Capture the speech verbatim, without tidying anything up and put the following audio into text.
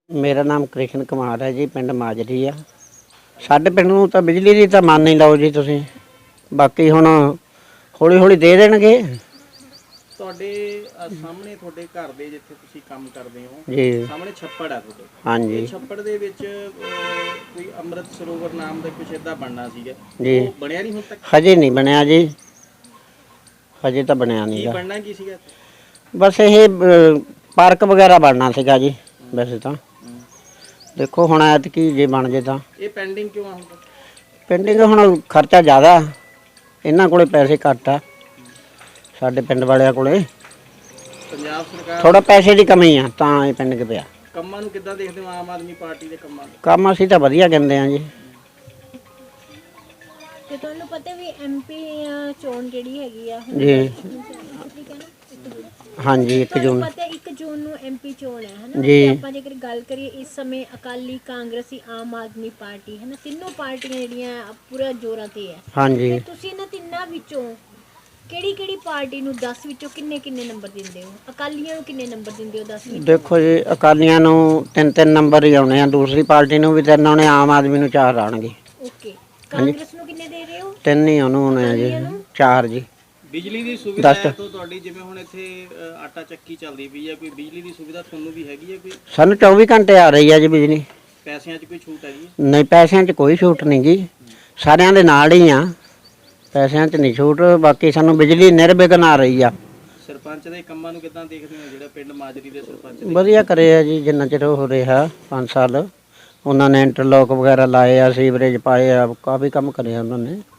ਮੇਰਾ ਨਾਮ ਕ੍ਰਿਸ਼ਨ ਕੁਮਾਰ ਹੈ ਜੀ, ਪਿੰਡ ਮਾਜਰੀ ਆ। ਸਾਡੇ ਪਿੰਡ ਨੂੰ ਤਾਂ ਬਿਜਲੀ ਦੀ ਤਾਂ ਮੰਨ ਹੀ ਲਓ ਜੀ ਤੁਸੀਂ, ਬਾਕੀ ਹੁਣ ਹੌਲੀ ਹੌਲੀ ਦੇ ਦੇਣਗੇ। ਤੁਹਾਡੇ ਅ, ਸਾਹਮਣੇ ਤੁਹਾਡੇ ਘਰ ਦੇ ਜਿੱਥੇ ਤੁਸੀਂ ਕੰਮ ਕਰਦੇ ਹੋ ਜੀ ਸਾਹਮਣੇ ਛੱਪੜ ਆ ਤੁਹਾਡੇ। ਹਾਂਜੀ ਇਹ ਛੱਪੜ ਦੇ ਵਿੱਚ ਅ, ਕੋਈ ਅੰਮ੍ਰਿਤ ਸਰੋਵਰ ਨਾਮ ਦਾ ਕੁਛ ਏਦਾਂ ਬਣਨਾ ਸੀਗਾ, ਜੀ। ਉਹ ਬਣਿਆ ਨਹੀਂ ਹੁਣ ਤੱਕ? ਹਜੇ ਨਹੀਂ ਬਣਿਆ ਜੀ, ਹਜੇ ਤਾਂ ਬਣਿਆ ਕੀ ਨਹੀਂਗਾ। ਬਣਨਾ ਕੀ ਸੀਗਾ? ਬਸ ਇਹ ਅ, ਪਾਰਕ ਵਗੈਰਾ ਬਣਨਾ ਸੀਗਾ ਜੀ ਵੈਸੇ ਤਾਂ। ਦੇਖੋ ਹੁਣ ਐਤਕੀ ਜੇ ਬਣ ਜੇ ਤਾਂ। ਇਹ ਪੈਂਡਿੰਗ ਕਿਉਂ ਆ ਹੁਣ ਤੱਕ? ਪਿੰਡਿੰਗ ਹੁਣ ਖਰਚਾ ਜ਼ਿਆਦਾ, ਇਹਨਾਂ ਕੋਲੇ ਪੈਸੇ ਘੱਟ ਆ ਸਾਡੇ ਪਿੰਡ ਵਾਲਿਆਂ ਕੋਲੇ, ਪੰਜਾਬ ਸਰਕਾਰ ਥੋੜਾ ਪੈਸੇ ਦੀ ਕਮੀ ਆ ਤਾਂ ਇਹ ਪਿੰਡ 'ਚ ਪਿਆ। ਕੰਮਾਂ ਨੂੰ ਕਿੱਦਾਂ ਦੇਖਦੇ ਹੋ ਆਮ ਆਦਮੀ ਪਾਰਟੀ ਦੇ ਕੰਮਾਂ ਨੂੰ? ਕੰਮ ਅਸੀਂ ਤਾਂ ਵਧੀਆ ਕਹਿੰਦੇ ਆ ਜੀ। ਤੇ ਤੁਹਾਨੂੰ ਪਤਾ ਵੀ ਐਮਪੀ ਚੋਣ ਜਿਹੜੀ ਹੈਗੀ ਆ ਹੁਣ ਜੀ ਹਾਂਜੀ ਇੱਕ ਤੁਹਾਨੂੰ ਜੂਨ ਪਤਾ ਇੱਕ ਜੂਨ ਨੂੰ ਐਮਪੀ ਚੋਣ ਹੈ ਹਨਾ। ਜੀ। ਤੇ ਆਪਾਂ ਜੇਕਰ ਗੱਲ ਕਰੀਏ ਇਸ ਸਮੇਂ ਅਕਾਲੀ, ਕਾਂਗਰਸੀ, ਆਮ ਆਦਮੀ ਪਾਰਟੀ ਹਨਾ, ਤਿੰਨੋਂ ਪਾਰਟੀਆਂ ਜਿਹੜੀਆਂ ਪੂਰਾ ਜ਼ੋਰਾਂ ਤੇ ਹੈ। ਹਾਂਜੀ। ਤੇ ਤੁਸੀਂ ਇਹਨਾਂ ਤਿੰਨਾਂ ਵਿੱਚੋਂ ਕਿਹੜੀ ਕਿਹੜੀ ਪਾਰਟੀ ਨੂੰ ਦਸ ਵਿੱਚੋਂ ਕਿੰਨੇ ਕਿੰਨੇ ਨੰਬਰ ਦਿੰਦੇ ਹੋ? ਅਕਾਲੀਆਂ ਨੂੰ ਕਿੰਨੇ ਨੰਬਰ ਦਿੰਦੇ ਹੋ ਦਸ ਵਿੱਚੋਂ? ਦੇਖੋ ਜੀ ਅਕਾਲੀਆਂ ਨੂੰ ਤਿੰਨ ਤਿੰਨ ਨੰਬਰ ਹੀ ਆਉਣੇ ਆ, ਦੂਸਰੀ ਪਾਰਟੀ ਨੂੰ ਵੀ ਤਿੰਨ ਆਉਣੇ, ਆਮ ਆਦਮੀ ਨੂੰ ਚਾਰ ਆਉਣਗੇ। ਓਕੇ, ਕਾਂਗਰਸ ਨੂੰ ਕਿੰਨੇ ਦੇ ਰਹੇ ਹੋ? ਤਿੰਨ ਹੀ ਉਹਨੂੰ ਹੋਣੇ ਆ ਜੀ, ਚਾਰ ਜੀ। ਬਿਜਲੀ ਦੀ ਸੁਵਿਧਾ ਦੱਸ। ਹੈ ਤਾਂ ਤੁਹਾਡੀ, ਜਿਵੇਂ ਹੁਣ ਇੱਥੇ ਅ, ਆਟਾ ਚੱਕੀ ਚੱਲਦੀ ਪਈ ਹੈ, ਕੋਈ ਬਿਜਲੀ ਦੀ ਸੁਵਿਧਾ ਤੁਹਾਨੂੰ ਵੀ ਹੈਗੀ ਹੈ? ਕੋਈ ਸਾਨੂੰ ਚੌਵੀ ਘੰਟੇ ਆ ਰਹੀ ਆ ਜੀ ਬਿਜਲੀ। ਪੈਸਿਆਂ 'ਚ ਕੋਈ ਛੂਟ ਹੈਗੀ ਹੈ? ਨਹੀਂ ਪੈਸਿਆਂ 'ਚ ਕੋਈ ਛੂਟ ਨਹੀਂ ਜੀ, ਸਾਰਿਆਂ ਦੇ ਨਾਲ ਹੀ ਆ, ਪੈਸਿਆਂ 'ਚ ਨਹੀਂ ਛੂਟ, ਬਾਕੀ ਸਾਨੂੰ ਬਿਜਲੀ ਨਿਰਵਿਘਨ ਆ ਰਹੀ ਆ। ਸਰਪੰਚ ਦੇ ਕੰਮਾਂ ਨੂੰ ਕਿੱਦਾਂ ਦੇਖਦੇ ਹੋ, ਜਿਹੜਾ ਪਿੰਡ ਮਾਜਰੀ ਦੇ ਸਰਪੰਚ ਨੇ? ਵਧੀਆ ਕਰੇ ਆ ਜੀ, ਜਿੰਨਾ ਚਿਰ ਹੋ ਰਿਹਾ ਪੰਜ ਸਾਲ ਉਹਨਾਂ ਨੇ ਇੰਟਰਲੋਕ ਵਗੈਰਾ ਲਾਏ ਆ, ਸੀਵਰੇਜ ਪਾਏ ਆ, ਕਾਫੀ ਕੰਮ ਕਰਿਆ ਉਹਨਾਂ ਨੇ।